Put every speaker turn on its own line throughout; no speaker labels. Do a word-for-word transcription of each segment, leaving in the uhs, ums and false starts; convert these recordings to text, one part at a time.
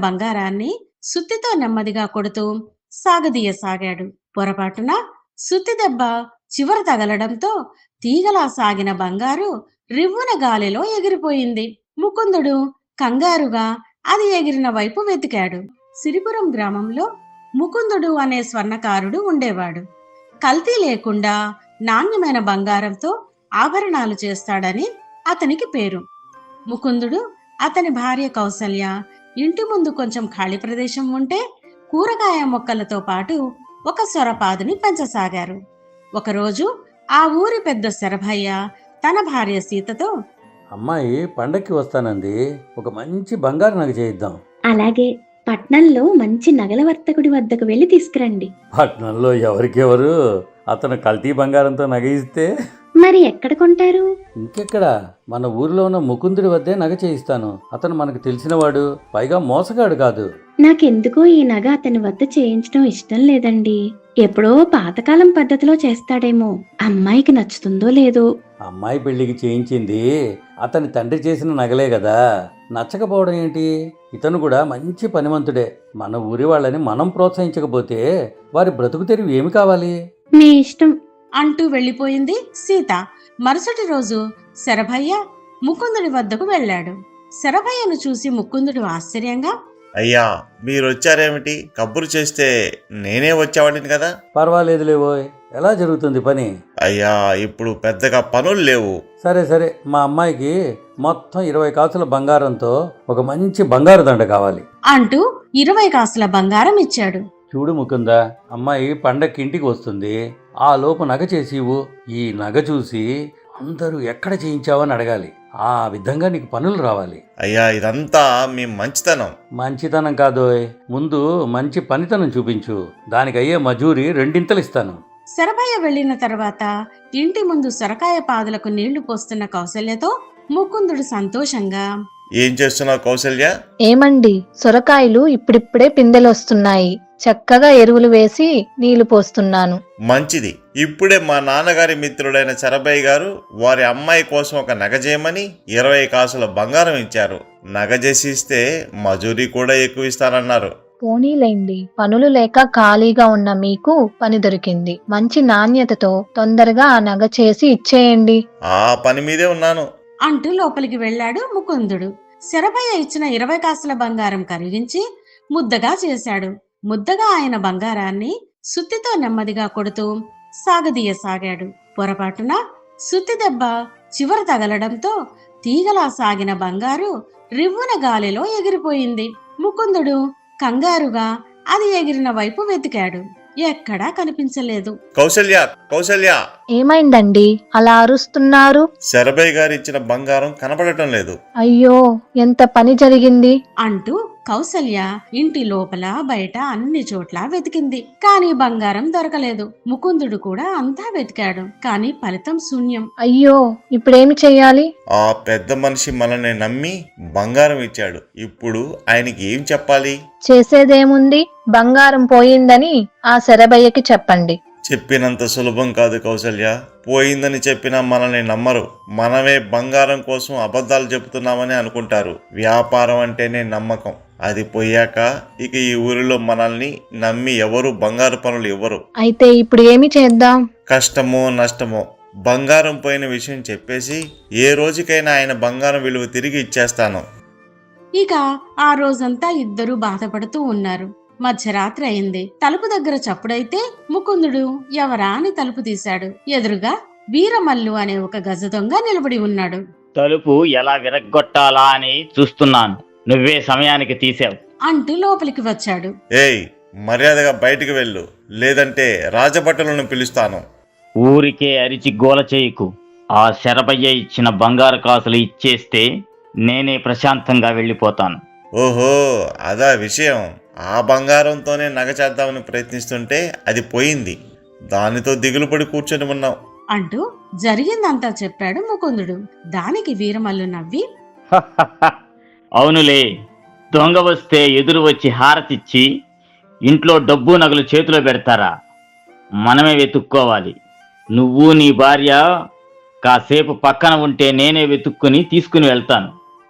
బంగారాన్ని సుత్తితో నెమ్మదిగా కొడుతూ సాగదీయసాగాడు. పొరపాటున సుత్తి దెబ్బ చివర తగలడంతో తీగలా సాగిన బంగారు రివ్వున గాలిలో ఎగిరిపోయింది. ముకుందుడు కంగారుగా అది ఎగిరిన వైపు వెతికాడు. సిరిపురం గ్రామంలో ముకుందుడు అనే స్వర్ణకారుడు ఉండేవాడు. కల్తీ లేకుండా నాణ్యమైన బంగారంతో ఆభరణాలు చేస్తాడని అతనికి పేరు. ముకుందుడు, అతని భార్య కౌసల్య ఇంటి ముందు కొంచెం ఖాళీ ప్రదేశం ఉంటే కూరగాయ మొక్కలతో పాటు ఒక సొరపాదుని పెంచసాగారు. ఒకరోజు ఆ ఊరి పెద్ద శరభయ్య తన భార్య సీతతో,
అమ్మాయి పండక్కి వస్తానంది, ఒక మంచి బంగారు నగ చేయిద్దాం.
అలాగే, పట్నంలో మంచి నగల వర్తకుడి వద్దకు వెళ్ళి తీసుకురండి.
పట్నంలో ఎవరికెవరు, అతను కల్తీ బంగారంతో నగ ఇస్తే
మరి ఎక్కడ కొంటారు?
ఇంకెక్కడ, మన ఊరిలో ఉన్న ముకుందుడి వద్దే నగ చేయిస్తాను. అతను మనకు తెలిసినవాడు, పైగా మోసగాడు కాదు.
నాకెందుకో ఈ నగ అతని వద్ద చేయించడం ఇష్టం లేదండి. ఎప్పుడో పాతకాలం పద్ధతిలో చేస్తాడేమో. అమ్మాయికి నచ్చుతుందో లేదో.
అమ్మాయి పెళ్లికి చేయించింది అతని తండ్రి చేసిన నగలే కదా, నచ్చకపోవడం ఏంటి? ఇతను కూడా మంచి పనిమంతుడే. మన ఊరి వాళ్ళని మనం ప్రోత్సహించకపోతే వారి బ్రతుకు తెరివి ఏమి కావాలి?
మీ ఇష్టం
అంటూ వెళ్ళిపోయింది సీత. మరుసటి రోజు శరభయ్య ముకుందుడి వద్దకు వెళ్ళాడు. శరభయ్యను చూసి ముకుందుడు ఆశ్చర్యంగా,
అయ్యా, మీరొచ్చారేమిటి? కబురు చేస్తే నేనే వచ్చేవాడిని కదా.
పర్వాలేదులేవోయ్, ఎలా జరుగుతుంది పని?
అయ్యా, ఇప్పుడు పెద్దగా పనులు లేవు.
సరే సరే, మా అమ్మాయికి మొత్తం ఇరవై కాసుల బంగారంతో ఒక మంచి బంగారు దండ కావాలి
అంటూ ఇరవై కాసుల బంగారం ఇచ్చాడు.
చూడు ముకుందా, అమ్మాయి పండక్కి ఇంటికి వస్తుంది. ఆ లోపు నగ చేసివు. ఈ నగ చూసి అందరూ ఎక్కడ చేయించావని అడగాలి. ఆ విధంగా నీకు పనులు రావాలి.
అయ్యా, ఇదంతా మీ మంచితనం.
మంచితనం కాదోయ్, ముందు మంచి పనితనం చూపించు. దానికి అయ్యే మజూరి రెండింతలు ఇస్తాను.
శరభయ్య వెళ్లిన తర్వాత ఇంటి ముందు సొరకాయ పాదులకు నీళ్లు పోస్తున్న కౌసల్యతో ముకుందుడు సంతోషంగా,
ఏం చేస్తున్నావు కౌసల్య?
ఏమండి, సొరకాయలు ఇప్పుడిప్పుడే పిందెలొస్తున్నాయి. చక్కగా ఎరువులు వేసి నీళ్లు పోస్తున్నాను.
మంచిది. ఇప్పుడే మా నాన్నగారి మిత్రుడైన శరభయ్య గారు వారి అమ్మాయి కోసం ఒక నగ చేయమని ఇరవై కాసుల బంగారం ఇచ్చారు. నగ చేసి ఇస్తే మజూరీ కూడా ఎక్కువ ఇస్తారన్నారు.
పోనీలేండి, పనులు లేక ఖాళీగా ఉన్న మీకు పని దొరికింది. మంచి నాణ్యతతో తొందరగా ఆ నగ చేసి ఇచ్చేయండి.
ఆ పని మీదే ఉన్నాను
అంటూ లోపలికి వెళ్ళాడు ముకుందుడు. శరభయ్య ఇచ్చిన ఇరవై కాసుల బంగారం కరిగించి ముద్దగా చేశాడు. ముద్దగా ఆయన బంగారాన్ని సుత్తితో నెమ్మదిగా కొడుతూ సాగదీయసాగాడు. పొరపాటున సుత్తి దెబ్బ చివర తగలడంతో తీగలా సాగిన బంగారు రివ్వున గాలిలో ఎగిరిపోయింది. ముకుందుడు కంగారుగా అది ఎగిరిన వైపు వెతికాడు. ఎక్కడా కనిపించలేదు.
కౌసల్య, కౌసల్య!
ఏమైందండి అలా అరుస్తున్నారు?
శరభయ్య గారు ఇచ్చిన బంగారం కనపడటం లేదు.
అయ్యో, ఎంత పని జరిగింది
అంటూ కౌసల్య ఇంటి లోపల బయట అన్ని చోట్ల వెతికింది. కాని బంగారం దొరకలేదు. ముకుందుడు కూడా అంతా వెతికాడు, కాని ఫలితం శూన్యం.
అయ్యో, ఇప్పుడేమి చెయ్యాలి?
ఆ పెద్ద మనిషి మనల్ని నమ్మి బంగారం ఇచ్చాడు. ఇప్పుడు ఆయనకి ఏం చెప్పాలి?
చేసేదేముంది, బంగారం పోయిందని ఆ శరభయ్యకి చెప్పండి.
చెప్పినంత సులభం కాదు కౌసల్య. పోయిందని చెప్పినా మనల్ని నమ్మరు. మనమే బంగారం కోసం అబద్ధాలు చెబుతున్నామని అనుకుంటారు. వ్యాపారం అంటేనే నమ్మకం. అది పోయాక ఇక ఈ ఊరిలో మనల్ని నమ్మి ఎవరు బంగారు పనులు ఇవ్వరు.
అయితే ఇప్పుడు ఏమి చేద్దాం?
కష్టమో నష్టమో బంగారం పోయిన విషయం చెప్పేసి ఏ రోజుకైనా ఆయన బంగారం విలువ తిరిగి ఇచ్చేస్తాను.
ఇక ఆ రోజంతా ఇద్దరూ బాధపడుతూ ఉన్నారు. మధ్యరాత్రి అయింది. తలుపు దగ్గర చప్పుడైతే ముకుందుడు ఎవరా అని తలుపు తీశాడు. ఎదురుగా వీరమల్లు అనే ఒక గజ దొంగ నిలబడి ఉన్నాడు.
తలుపు ఎలా విరగ్గొట్టాలా అని చూస్తున్నాను. నువ్వే సమయానికి తీసావు
అంటూ లోపలికి వచ్చాడు.
ఏయ్, మర్యాదగా బయటికి వెళ్ళు, లేదంటే రాజభటులను పిలుస్తాను.
ఊరికే అరిచి గోల చేయకు. ఆ శరభయ్య ఇచ్చిన బంగారు కాసులు ఇచ్చేస్తే నేనే ప్రశాంతంగా వెళ్ళిపోతాను.
ఓహో, అదా విషయం. ఆ బంగారంతోనే నగ చేద్దామని ప్రయత్నిస్తుంటే అది పోయింది. దానితో దిగులు పడి కూర్చొని ఉన్నాం
అంటూ జరిగిందంతా చెప్పాడు ముకుందుడు. దానికి వీరమల్లు నవ్వి,
అవునులే, దొంగ వస్తే ఎదురు వచ్చి హారతిచ్చి ఇంట్లో డబ్బు నగలు చేతిలో పెడతారా? మనమే వెతుక్కోవాలి. నువ్వు నీ భార్య కాసేపు పక్కన ఉంటే నేనే వెతుక్కుని తీసుకుని వెళ్తాను.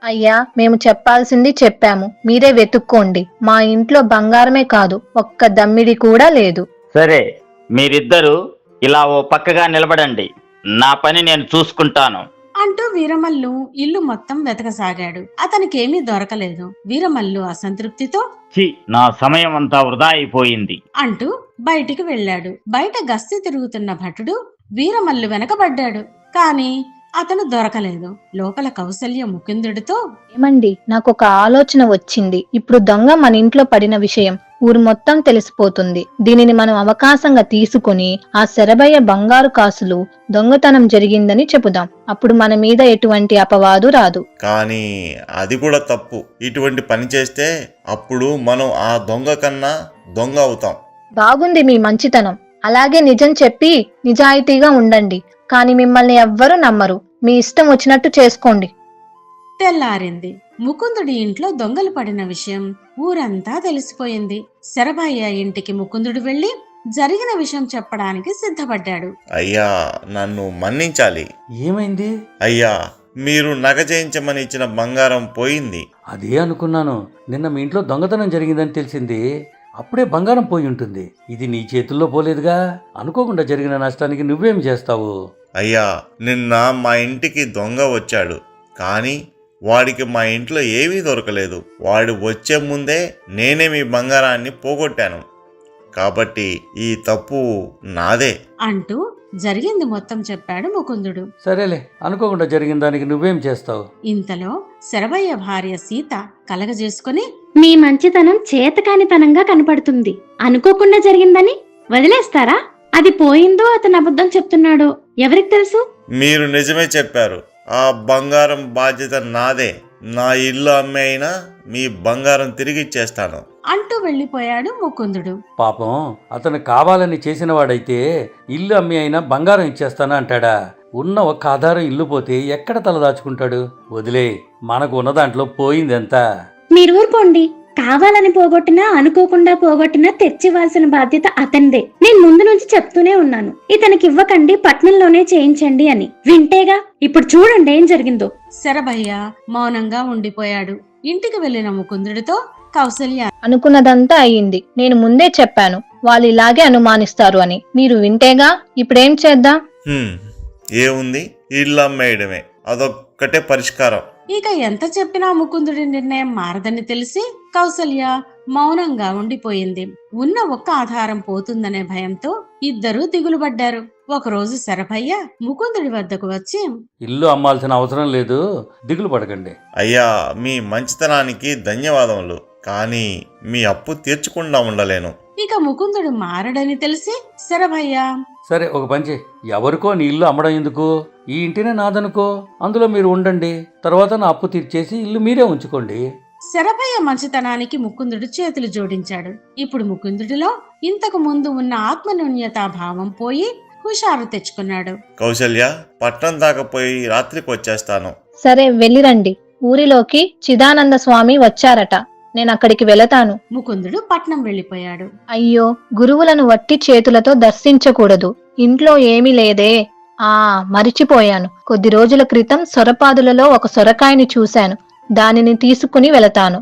అయ్యా, మేము చెప్పాల్సింది చెప్పాము, మీరే వెతుక్కోండి. మా ఇంట్లో బంగారమే కాదు, ఒక్క దమ్మిడి కూడా లేదు.
సరే, మీరిద్దరూ ఇలా ఓ పక్కగా నిలబడండి. నా పని నేను చూసుకుంటాను.
అంటూ వీరమల్లు ఇల్లు మొత్తం వెతకసాగాడు. అతనికేమీ దొరకలేదు. వీరమల్లు అసంతృప్తితో
ఛీ, నా సమయం అంతా వృధా అయిపోయింది.
అంటూ బయటికి వెళ్ళాడు. బయట గస్తీ తిరుగుతున్న భటుడు వీరమల్లు వెనకబడ్డాడు. కాని అతను దొరకలేదు. లోపల కౌసల్య ముకుందుడితో
ఏమండి, నాకు ఒక ఆలోచన వచ్చింది. ఇప్పుడు దొంగ మన ఇంట్లో పడిన విషయం ఊరు మొత్తం తెలిసిపోతుంది. దీనిని మనం అవకాశంగా తీసుకుని ఆ శరభయ్య బంగారు కాసులు దొంగతనం జరిగిందని చెబుదాం. అప్పుడు మన మీద ఎటువంటి అపవాదు రాదు.
కానీ అది కూడా తప్పు. ఇటువంటి పని చేస్తే అప్పుడు మనం ఆ దొంగ కన్నా దొంగ అవుతాం.
బాగుంది మీ మంచితనం. అలాగే నిజం చెప్పి నిజాయితీగా ఉండండి. కానీ మిమ్మల్ని ఎవ్వరూ నమ్మరు. మీ ఇష్టం వచ్చినట్టు చేసుకోండి.
తెల్లారింది. ముకుందుడి ఇంట్లో దొంగలు పడిన విషయం ఊరంతా తెలిసిపోయింది. శరభయ్య ఇంటికి ముకుందుడు వెళ్లి జరిగిన విషయం చెప్పడానికి సిద్ధపడ్డాడు.
అయ్యా, నన్ను మన్నించాలి.
ఏమైంది?
అయ్యా, మీరు నగ చేయించమని ఇచ్చిన బంగారం పోయింది.
అదే అనుకున్నాను. నిన్న మీ ఇంట్లో దొంగతనం జరిగిందని తెలిసింది. అప్పుడే బంగారం పోయి ఉంటుంది. ఇది నీ చేతుల్లో పోలేదుగా. అనుకోకుండా జరిగిన నష్టానికి నువ్వేం చేస్తావు?
అయ్యా, నిన్న మా ఇంటికి దొంగ వచ్చాడు. కానీ వాడికి మా ఇంట్లో ఏమీ దొరకలేదు. వాడు వచ్చే ముందే నేనే మీ బంగారాన్ని పోగొట్టాను. కాబట్టి ఈ తప్పు నాదే
అంటూ జరిగింది మొత్తం చెప్పాడు ముకుందుడు.
సరేలే, అనుకోకుండా జరిగిన దానికి నువ్వేం చేస్తావు?
ఇంతలో శరభయ్య భార్య సీత కలగజేసుకుని
మీ మంచితనం చేతకానితనంగా కనపడుతుంది. అనుకోకుండా జరిగిందని వదిలేస్తారా? అది పోయిందో అతను అబద్ధం చెప్తున్నాడో ఎవరికి తెలుసు?
మీరు నిజమే చెప్పారు. ఆ బంగారం బాధ్యత నాదే. నా ఇల్లు అమ్మే అయినా మీ బంగారం తిరిగిచ్చేస్తాను
అంటూ వెళ్లిపోయాడు ముకుందుడు.
పాపం, అతను కావాలని చేసిన వాడైతే ఇల్లు అమ్మి అయినా బంగారం ఇచ్చేస్తానా అంటాడా? ఉన్న ఒక్క ఆధారం ఇల్లు పోతే ఎక్కడ తలదాచుకుంటాడు? వదిలే, మనకు ఉన్న దాంట్లో పోయిందెంత?
మీరు ఊరుకోండి. కావాలని పోగొట్టినా అనుకోకుండా పోగొట్టినా తెచ్చివ్వాల్సిన బాధ్యత అతనిదే. నేను ముందు నుంచి చెప్తూనే ఉన్నాను, ఇతనికి ఇవ్వకండి, పట్నంలోనే చేయించండి అని. వింటేగా. ఇప్పుడు చూడండి ఏం జరిగిందో.
శరభయ్య మౌనంగా ఉండిపోయాడు. ఇంటికి వెళ్లిన ముకుందుడితో కౌసల్య
అనుకున్నదంతా అయ్యింది. నేను ముందే చెప్పాను వాళ్ళు ఇలాగే అనుమానిస్తారు అని. మీరు వింటేగా. ఇప్పుడేం చేద్దాం?
హ్మ్, ఏముంది, ఇల్లు అమ్మేయడమే. అదొక్కటే పరిష్కారం.
ఇక ఎంత చెప్పినా ముకుందుడి నిర్ణయం మారదని తెలిసి కౌసల్య మౌనంగా ఉండిపోయింది. ఉన్న ఒక్క ఆధారం పోతుందనే భయంతో ఇద్దరూ దిగులుపడ్డారు. ఒకరోజు శరభయ్య ముకుందుడి వద్దకు వచ్చి
ఇల్లు అమ్మాల్సిన అవసరం లేదు, దిగులు పడకండి.
అయ్యా, మీ మంచితనానికి ధన్యవాదములు. కానీ మీ అప్పు తీర్చకుండా ఉండలేను.
ఇక ముకుందుడు మారడని తెలిసి శరభయ్య
సరే, ఒక పంచి, ఎవరికో నీ ఇల్లు అమ్మడం ఎందుకు? ఈ ఇంటినే నాదనుకో, అందులో మీరు ఉండండి. తర్వాత నా అప్పు తీర్చేసి ఇల్లు మీరే ఉంచుకోండి.
శరభయ్య మంచితనానికి ముకుందుడు చేతులు జోడించాడు. ఇప్పుడు ముకుందుడిలో ఇంతకు ముందు ఉన్న ఆత్మన్యూన్యతా భావం పోయి హుషారు తెచ్చుకున్నాడు.
కౌసల్య, పట్నం దాకా పోయి రాత్రికి వచ్చేస్తాను.
సరే, వెళ్ళిరండి. ఊరిలోకి చిదానంద స్వామి వచ్చారట. నేను అక్కడికి వెళతాను.
ముకుందుడు పట్నం వెళ్లిపోయాడు.
అయ్యో, గురువులను వట్టి చేతులతో దర్శించకూడదు. ఇంట్లో ఏమీ లేదే. ఆ మరిచిపోయాను. కొద్ది రోజుల క్రితం సొరపాదులలో ఒక సొరకాయని చూశాను. దానిని తీసుకుని వెళతాను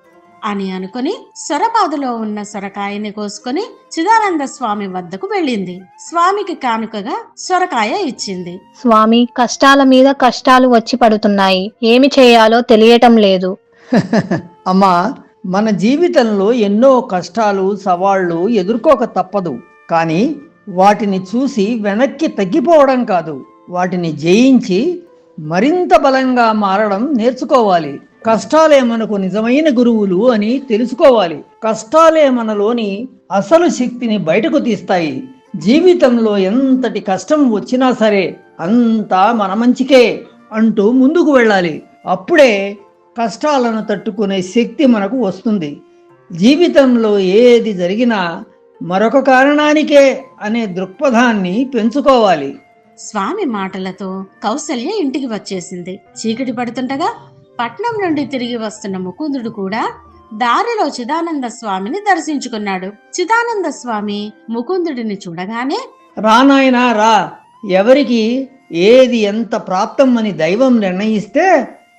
అని అనుకుని సొరపాదులో ఉన్న సొరకాయని కోసుకుని చిదానంద స్వామి వద్దకు వెళ్ళింది. స్వామికి కానుకగా సొరకాయ ఇచ్చింది.
స్వామి, కష్టాల మీద కష్టాలు వచ్చి పడుతున్నాయి. ఏమి చేయాలో తెలియటం లేదు.
అమ్మా, మన జీవితంలో ఎన్నో కష్టాలు సవాళ్లు ఎదుర్కోక తప్పదు. కానీ వాటిని చూసి వెనక్కి తగ్గిపోవడం కాదు, వాటిని జయించి మరింత బలంగా మారడం నేర్చుకోవాలి. కష్టాలే మనకు నిజమైన గురువులు అని తెలుసుకోవాలి. కష్టాలే మనలోని అసలు శక్తిని బయటకు తీస్తాయి. జీవితంలో ఎంతటి కష్టం వచ్చినా సరే అంతా మన మంచికే అంటూ ముందుకు వెళ్ళాలి. అప్పుడే కష్టాలను తట్టుకునే శక్తి మనకు వస్తుంది. జీవితంలో ఏది జరిగినా మరొక కారణానికే అనే దృక్పథాన్ని పెంచుకోవాలి.
స్వామి మాటలతో కౌసల్య ఇంటికి వచ్చేసింది. చీకటి పడుతుండగా పట్నం నుండి తిరిగి వస్తున్న ముకుందుడు కూడా దారిలో చిదానంద స్వామిని దర్శించుకున్నాడు. చిదానంద స్వామి ముకుందుడిని చూడగానే
రానాయనా రా, ఎవరికి ఏది ఎంత ప్రాప్తం అని దైవం నిర్ణయిస్తే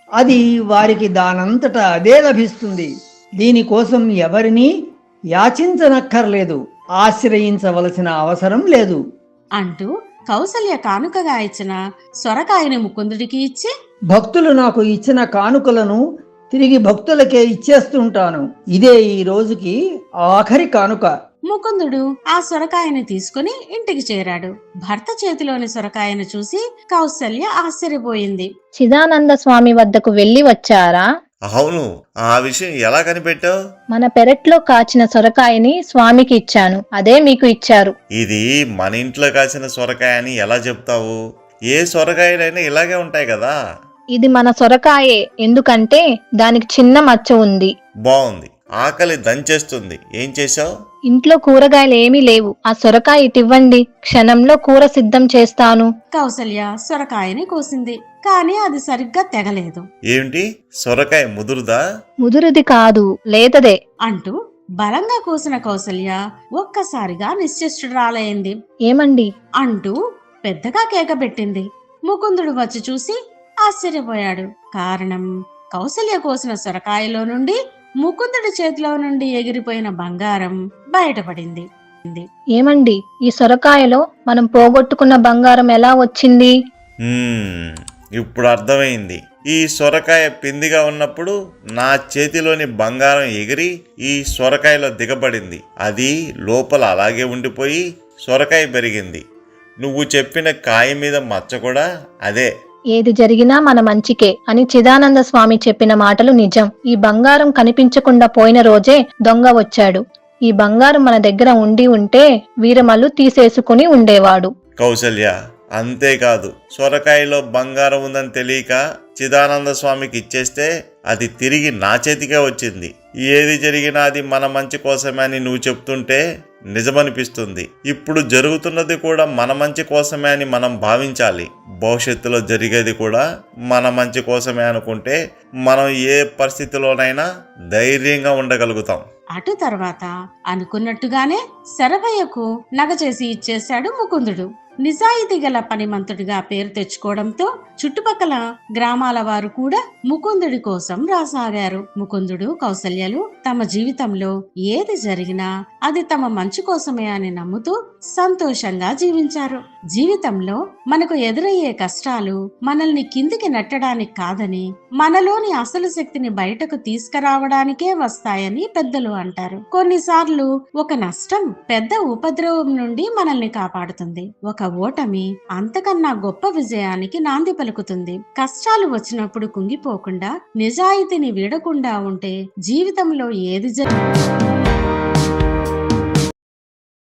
అది వారికి దానంతట అదే లభిస్తుంది. దీనికోసం ఎవరినీ యాచించనక్కర్లేదు, ఆశ్రయించవలసిన అవసరం లేదు
అంటూ కౌసల్య కానుకగా ఇచ్చిన సొరకాయని ముకుందుడికి ఇచ్చి,
భక్తులు నాకు ఇచ్చిన కానుకలను తిరిగి భక్తులకే ఇచ్చేస్తుంటాను. ఇదే ఈ రోజుకి ఆఖరి కానుక.
ముకుందుడు ఆ సొరకాయని తీసుకుని ఇంటికి చేరాడు. భర్త చేతిలోని సొరకాయను చూసి కౌసల్య ఆశ్చర్యపోయింది.
చిదానంద స్వామి వద్దకు వెళ్లి వచ్చారా?
అవును, ఆ విషయం ఎలా కనిపెట్టావు?
మన పెరట్లో కాచిన సొరకాయని స్వామికి ఇచ్చాను, అదే మీకు ఇచ్చారు.
ఇది మన ఇంట్లో కాసిన సొరకాయ అని ఎలా చెప్తావు? ఏ సొరకాయలైనా ఇలాగే ఉంటాయి కదా.
ఇది మన సొరకాయే, ఎందుకంటే దానికి చిన్న మచ్చ ఉంది.
బాగుంది, ఆకలి దంచేస్తుంది. ఏం చేశావు?
ఇంట్లో కూరగాయలు ఏమీ లేవు, ఆ సొరకాయ ఇటివ్వండి, క్షణంలో కూర సిద్ధం చేస్తాను.
కౌసల్య సొరకాయని కోసింది, కాని అది సరిగ్గా తెగలేదు.
ఏమిటి, సొరకాయ ముదురుదా?
ముదురుది కాదు, లేతదే
అంటూ బలంగా కోసిన కౌసల్య ఒక్కసారిగా నిశ్చేష్టురాలైంది.
ఏమండి
అంటూ పెద్దగా కేక పెట్టింది. ముకుందుడు వచ్చి చూసి ఆశ్చర్యపోయాడు. కారణం, కౌసల్య కోసిన సొరకాయలో నుండి ముకుందుడి చేతిలో నుండి ఎగిరిపోయిన బంగారం బయటపడింది.
ఏమండి, ఈ సొరకాయలో మనం పోగొట్టుకున్న బంగారం ఎలా వచ్చింది?
హ్మ్, ఇప్పుడు అర్థమైంది. ఈ సొరకాయ పిందిగా ఉన్నప్పుడు నా చేతిలోని బంగారం ఎగిరి ఈ సొరకాయలో దిగబడింది. అది లోపల అలాగే ఉండిపోయి సొరకాయ పెరిగింది. నువ్వు చెప్పిన కాయ మీద మచ్చ కూడా అదే.
ఏది జరిగినా మన మంచికే అని చిదానంద స్వామి చెప్పిన మాటలు నిజం. ఈ బంగారం కనిపించకుండా పోయిన రోజే దొంగ వచ్చాడు. ఈ బంగారం మన దగ్గర ఉండి ఉంటే వీరమల్లు తీసేసుకుని ఉండేవాడు.
కౌసల్య, అంతేకాదు, సొరకాయలో బంగారం ఉందని తెలియక చిదానంద స్వామికి ఇచ్చేస్తే అది తిరిగి నా చేతికే వచ్చింది. ఏది జరిగినా అది మన మంచి కోసమే అని నువ్వు చెప్తుంటే నిజమనిపిస్తుంది. ఇప్పుడు జరుగుతున్నది కూడా మన మంచి కోసమే అని మనం భావించాలి. భవిష్యత్తులో జరిగేది కూడా మన మంచి కోసమే అనుకుంటే మనం ఏ పరిస్థితిలోనైనా ధైర్యంగా ఉండగలుగుతాం.
అటు తర్వాత అనుకున్నట్టుగానే శరభయ్యకు నగ చేసి ఇచ్చేశాడు ముకుందుడు. నిజాయితీ గల పనిమంతుడిగా పేరు తెచ్చుకోవడంతో చుట్టుపక్కల గ్రామాల వారు కూడా ముకుందుడి కోసం రాసాగారు. ముకుందుడు, కౌసల్యలు తమ జీవితంలో ఏది జరిగినా అది తమ మంచి కోసమే అని నమ్ముతూ సంతోషంగా జీవించారు. జీవితంలో మనకు ఎదురయ్యే కష్టాలు మనల్ని కిందికి నెట్టడానికి కాదని, మనలోని అసలు శక్తిని బయటకు తీసుకురావడానికే వస్తాయని పెద్దలు అంటారు. కొన్నిసార్లు ఒక నష్టం పెద్ద ఉపద్రవం నుండి మనల్ని కాపాడుతుంది. ఒక ఓటమి అంతకన్నా గొప్ప విజయానికి నాంది పలుకుతుంది. కష్టాలు వచ్చినప్పుడు కుంగిపోకుండా, నిజాయితీని వీడకుండా ఉంటే జీవితంలో ఏది జరి